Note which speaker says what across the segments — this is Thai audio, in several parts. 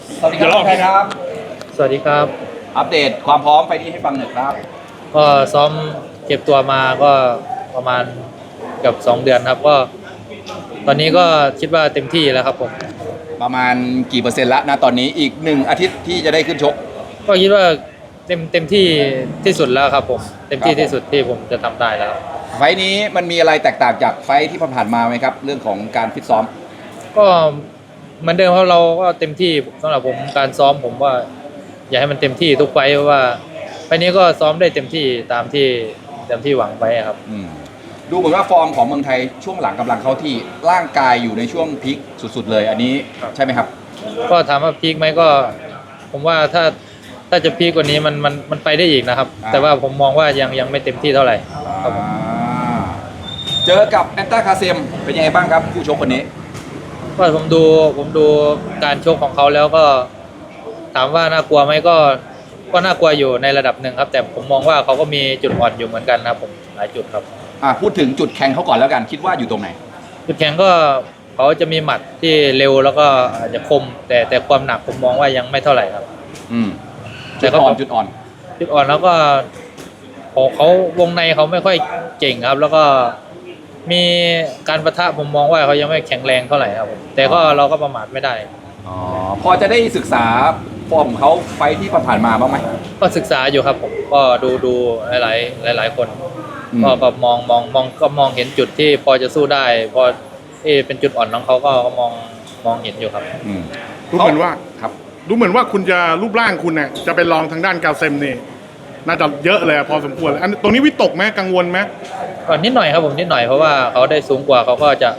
Speaker 1: สวัสดีครับใครครับ
Speaker 2: สวัสดีครับ
Speaker 1: อัปเดตความพร้อมไฟล์นี้ให้ฟังหน่อยครับ
Speaker 2: ก็ซ้อมเก็บตัวมาก็ประมาณเกือบ2 เดือนครับก็ตอนนี้ก็คิดว่าเต็มที่แล้วครับผม
Speaker 1: ประมาณกี่เปอร์เซ็นต์ละนะตอนนี้อีก1 อาทิตย์ที่จะได้ขึ้นชก
Speaker 2: ก็คิดว่าเต็มที่ที่สุดแล้วครับผมเต็มที่ที่สุดที่ผมจะทำได้แล้ว
Speaker 1: ไฟล์นี้มันมีอะไรแตกต่างจากไฟล์ที่ผ่านมาไหมครับเรื่องของการฟิตซ้อม
Speaker 2: ก็เหมือนเดิมครับเราก็เต็มที่สำหรับผมการซ้อมผมว่าอยากให้มันเต็มที่ทุกไฟล์เพราะว่าไฟล์นี้ก็ซ้อมได้เต็มที่ตามที่หวังไว้ครับ
Speaker 1: ดูเหมือนว่าฟอร์มของเมืองไทยช่วงหลังกำลังเข้าที่ร่างกายอยู่ในช่วงพีคสุดๆเลยอันนี้ใช่ไหมครับ
Speaker 2: ก็ถามว่าพีคไหมก็ผมว่าถ้าจะพีคกว่านี้มันไปได้อีกนะครับแต่ว่าผมมองว่ายังไม่เต็มที่เท่าไหร่ครับผม
Speaker 1: เจอกับแอนตาคาเซมเป็นยังไงบ้างครับผู้ชกคนนี้
Speaker 2: ก็ผมดูการชกของเขาแล้วก็ถามว่าน่ากลัวไหมก็น่ากลัวอยู่ในระดับหนึ่งครับแต่ผมมองว่าเขาก็มีจุดอ่อนอยู่เหมือนกันนะครับผมหลายจุดครับ
Speaker 1: พูดถึงจุดแข็งเขาก่อนแล้วกันคิดว่าอยู่ตรงไหน
Speaker 2: จุดแข็งก็เขาจะมีหมัดที่เร็วแล้วก็อาจจะคมแต่ความหนักผมมองว่ายังไม่เท่าไหร่ครับ
Speaker 1: จุดอ่อน
Speaker 2: แล้วก็เขาวงในเขาไม่ค่อยเก่งครับแล้วก็มีการปะทะผมมองว่าเขายังไม่แข็งแรงเท่าไหร่ครับผมแต่ก็เราก็ประมาทไม่ได้
Speaker 1: พอจะได้ศึกษาฟอร์มเขาไฟที่ผ่านมาบ้างไหม
Speaker 2: ก็ศึกษาอยู่ครับผมก็ดูหลายคนก็มองเห็นจุดที่พอจะสู้ได้พอเป็นจุดอ่อนของเขาก็มองเห็นอยู่ครับ
Speaker 3: ดูเหมือนว่าครับดูเหมือนว่าคุณจะรูปร่างคุณเนี่ยจะเป็นรองทางด้านกาเซมนี่น่าจะเยอะเลยพอสมควรอันตรงนี้วิตกไหมกังวลไหม
Speaker 2: ก็นิดหน่อยครับผมนิดหน่อยเพราะว่าเขาได้สูงกว่าเขาก็จะ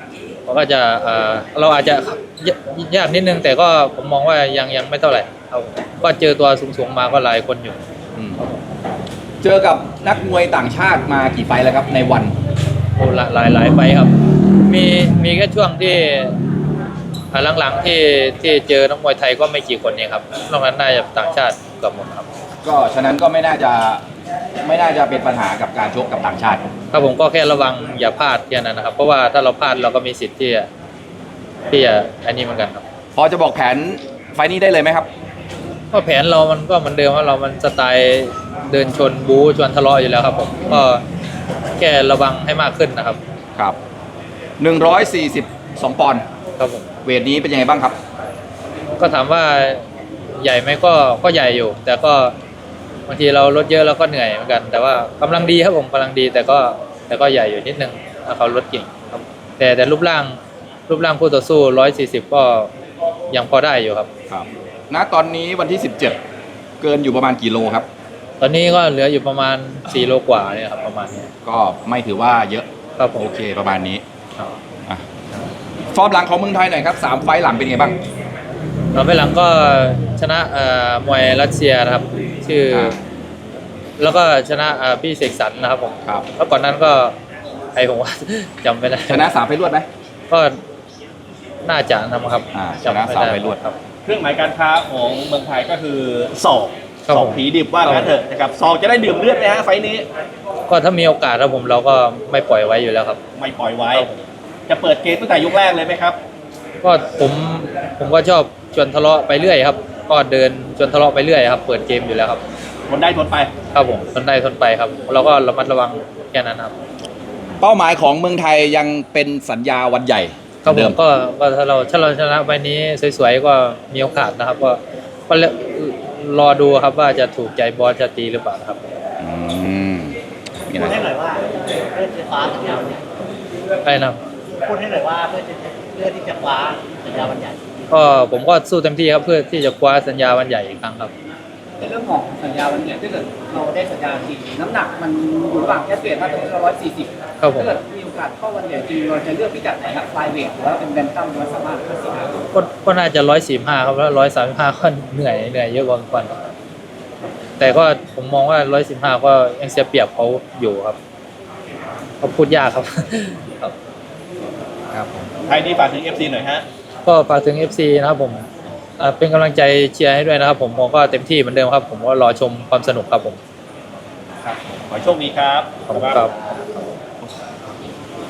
Speaker 2: เราอาจจะยากนิดนึงแต่ก็ผมมองว่ายังไม่เท่าไหร่ครับก็เจอตัวสูงมาก็หลายคนอยู่
Speaker 1: เจอกับนักมวยต่างชาติมากี่ไฟแล้วครับในวัน
Speaker 2: โอ้หลายไฟครับมีแค่ช่วงที่หลังๆที่เจอนักมวยไทยก็ไม่กี่คนเองครับนอกนั้นน่าจะต่างชาติเกือบหมดครับ
Speaker 1: ก็ฉะนั้นก็ไม่น่าจะเป็นปัญหากับการชกกับต่างชาติ
Speaker 2: ครับผมก็แค่ระวังอย่าพลาดแค่นั้นนะครับเพราะว่าถ้าเราพลาดเราก็มีสิทธิ์ที่จะอันนี้เหมือนกันครับ
Speaker 1: พอจะบอกแผนไฟนี้ได้เลยไหมครับ
Speaker 2: ก็แผนเรามันก็เหมือนเดิมว่าเรามันสไตล์เดินชนบู๊ชวนทะเลาะอยู่แล้วครับผมก็แค่ระวังให้มากขึ้นนะครับ
Speaker 1: ครับ142 ปอนด์
Speaker 2: ครับผม
Speaker 1: เวทนี้เป็นยังไงบ้างครับ
Speaker 2: ก็ถามว่าใหญ่ไหมก็ใหญ่อยู่แต่ก็บางทีเราลดเยอะแล้วก็เหนื่อยเหมือนกันแต่ว่ากำลังดีครับผมกำลังดีแต่ก็ใหญ่อยู่นิดนึงถ้าเขาลดเก่งครับแต่รูปร่างคู่ต่อสู้140ก็ยังพอได้อยู่ครับ
Speaker 1: ครับณตอนนี้วันที่17เกินอยู่ประมาณกี่โลครับ
Speaker 2: ตอนนี้ก็เหลืออยู่ประมาณ4 โลกว่าเนี่ยครับประมาณนี้
Speaker 1: ก็ไม่ถือว่าเยอะ
Speaker 2: ครับผม
Speaker 1: โอเคประมาณนี้ฟอร์มหลังของเมืองไทยหน่อยครับ3 ไฟล์หลังเป็นไงบ้าง
Speaker 2: ไฟล์หลังก็ชนะมวยรัสเซียนะครับชื่อแล้วก็ชนะพี่เสกสรรนะครับผมแล้วก่อนนั้นก็ผมว่าจำไม่ได้
Speaker 1: ชนะ3 ไฟล์รวดไหม
Speaker 2: ก็น่าจะนะครับ
Speaker 1: ชนะ3 ไฟล์รวด
Speaker 4: ครับเครื่องหมายการค้าของเมืองไทยก็คือศอกผีดิบว่างั้นเถอะนะครับศอกจะได้ดื่มเลือดไหมฮะไฟล์นี้
Speaker 2: ก็ถ้ามีโอกาสครับผมเราก็ไม่ปล่อยไว้อยู่แล้วครับ
Speaker 4: ไม่ปล่อยไว้จะเปิดเกมตั้งแต่ยกแรกเลยไหมครับ
Speaker 2: ก็ผมก็ชอบชวนทะเลาะไปเรื่อยครับก็เดินชวนทะเลาะไปเรื่อยครับเปิดเกมอยู่แล้วครับ
Speaker 4: ทนได้ทนไป
Speaker 2: ครับผมทนได้ทนไปครับเราก็ระมัดระวังแค่นั้นครับ
Speaker 1: เป้าหมายของเมืองไทยยังเป็นสัญญาวันใหญ่
Speaker 2: ครับผมก็ถ้าเราชนะวันนี้สวยๆก็มีโอกาสนะครับก็รอดูครับว่าจะถูกใจบอสจะตีหรือเปล่าครับ
Speaker 5: พูดให้หน่อยว่าเพื่อจะคว้าสัญญาวันใหญ่
Speaker 2: ใช่นะ
Speaker 5: พูดให้หน่อยว่าเพื่อที่จะคว้าสัญญาวันใหญ่
Speaker 2: ก็ผมก็สู้เต็มที่ครับเพื่อที่จะคว้าสัญญาวันใหญ่อีกครั้งครับ
Speaker 5: ในเรื่องของสัญญาวันใหญ่ถ้าเกิดเราได้สัญญาจริงน้ำหนักมันอยู่ระหว่างแค่เปลี่ยนมาตรงนี้140ถ้าเกิดมีโอกาสเข้าวันใหญ่จริงเราจะเลือกพิกัดไหนครับไฟเวทหรือว่าเป็นแบนตัมหรือว่าสามารถ
Speaker 2: ก็น่าจะ145ครับแล้ว135ก็เหนื่อยเยอะกว่าก่อนแต่ก็ผมมองว่า115ก็ยังเสียเปรียบเขาอยู่ครับเขาพูดยากครับ
Speaker 4: ครับไทยนี่ฝากถึง FC หน่อยฮะ
Speaker 2: ก็ฝากถึง FC นะครับผมเป็นกำลังใจเชียร์ให้ด้วยนะครับผมก็เต็มที่เหมือนเดิมครับผมก็รอชมความสนุกครับผม
Speaker 4: ครับขอโชคดีครับ
Speaker 2: ขอบคุณครับ